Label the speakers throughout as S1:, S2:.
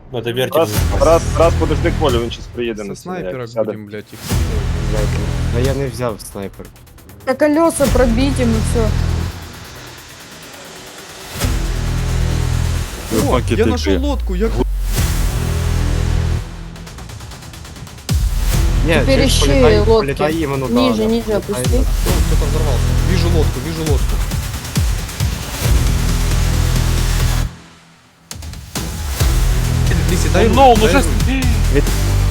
S1: Надо вертик.
S2: Раз подожди Колю, він щас приїде
S3: Со
S2: на
S3: снайпера
S2: сяде.
S3: будем, блядь, их.
S4: А я не взяв снайпер.
S5: А колеса пробить ему все.
S3: О, я нашел лодку, я...
S4: Ні,
S5: Теперь
S4: ти
S5: ищи
S4: політай-
S5: лодки.
S4: політай іменно, да,
S5: Ниже,
S4: да.
S5: ниже
S4: Політай,
S5: опусти.
S4: да.
S3: Кто-то взорвался. Вижу лодку, вижу лодку. Лиси, дай
S1: Ну,
S3: руку,
S1: ну
S3: дай
S1: же...
S3: руку.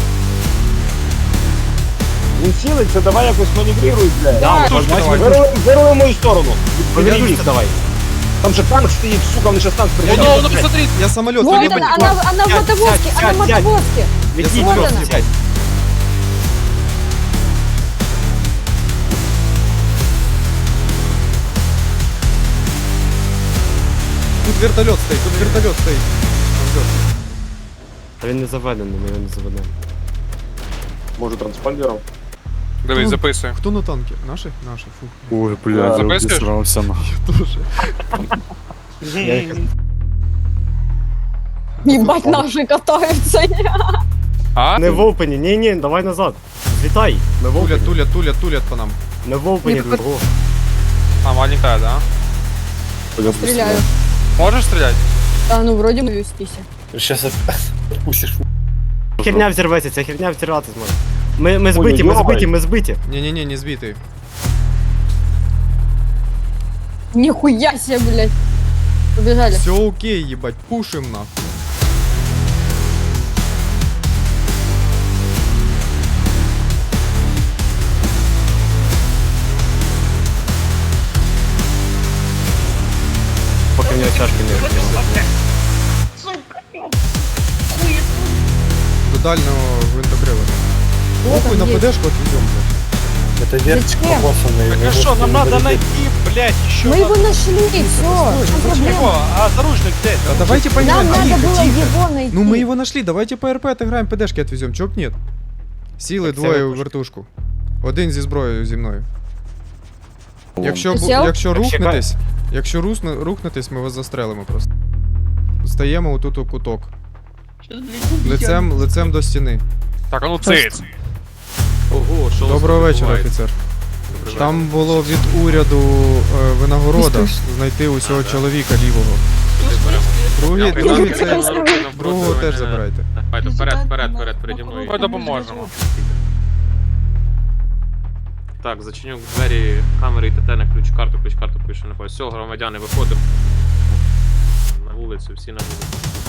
S2: Він цілиться, давай якось маневрируй, блядь.
S5: Да,
S1: Тушку давай.
S2: Вируй в мою сторону.
S4: Повернись давай.
S2: Там же танк стоїть, сука, вони щас танк
S1: Ну,
S2: приїжджають.
S1: ну, посмотри.
S3: Я самолет,
S5: Вот
S3: либо...
S5: она в мотовозке, она в
S4: сядь, сядь.
S5: мотовозке.
S4: Відійдь,
S5: Вот
S4: просто
S5: она.
S4: сядь.
S3: Тут вертолет стоит, тут вертолет стоит. Он ждет.
S4: А він не заведений, ми його не заведемо.
S2: Може транспондером?
S1: Дивись, записуй.
S3: Кто на танке? Наши? Наши, фух.
S6: Ой, бля,
S1: Записуєш?
S6: обісрався на.
S3: Я тоже.
S4: Я їх-
S5: Ебать, наши катаются.
S1: А?
S4: Не в опені, ні, давай назад. Злітай. Ми в
S3: Тулят,
S4: опені.
S3: тулят, тулят, тулят по нам.
S4: Ми в опені,
S5: Ні,
S4: другого.
S1: А, маленькая, да?
S5: Стреляю.
S1: Можешь стрелять?
S5: Да, ну вроде мы вестись.
S1: Сейчас отпустишь.
S4: Херня взірветься, ця херня взірвати зможе. Ми збиті, ми
S2: йобай.
S4: збиті, ми збиті.
S3: Не-не-не, не сбитый.
S5: Нихуя себе, блядь. Побежали.
S3: Все окей, ебать, пушим нахуй.
S4: Поки в нього чашки не розбила.
S3: До дальнего винтокрила.
S5: Вот
S3: Похуй,
S5: он
S3: на
S5: есть.
S3: ПДшку отвезем, блядь.
S1: Это вертик
S5: Зачем?
S1: покосанный.
S7: Так а что, нам надо найти, блядь, еще
S5: Мы его нашли, все.
S7: Чего? А заручник где?
S3: Да давайте
S5: Нам
S3: поиграем,
S5: надо
S3: тихо,
S5: было
S3: тихо.
S5: его найти.
S3: Ну мы его нашли, давайте по РП отыграем, ПДшки отвезем, чё б нет? Сіли
S4: Так це
S3: двоє у
S4: вертушки.
S3: вертушку. Один зі зброєю зі мною. Якщо,
S5: Ти сів?
S3: якщо
S4: Так,
S3: рухнетесь, якщо рухнетесь, ми вас застрелимо просто. Стаємо отут у куток. Лицем до стіни.
S1: Так, а ну циц.
S7: Ого, що
S3: Доброго вечора, офіцер. Там було від уряду винагорода знайти усього чоловіка лівого. Другий це другого теж забирайте.
S7: Давайте вперед, переді мною.
S1: Ми допоможемо.
S7: Так, зачиню двері, камери і ТТ на ключ-карту пише на пояс. Все, громадяни, виходимо. На вулицю, всі на вулицю.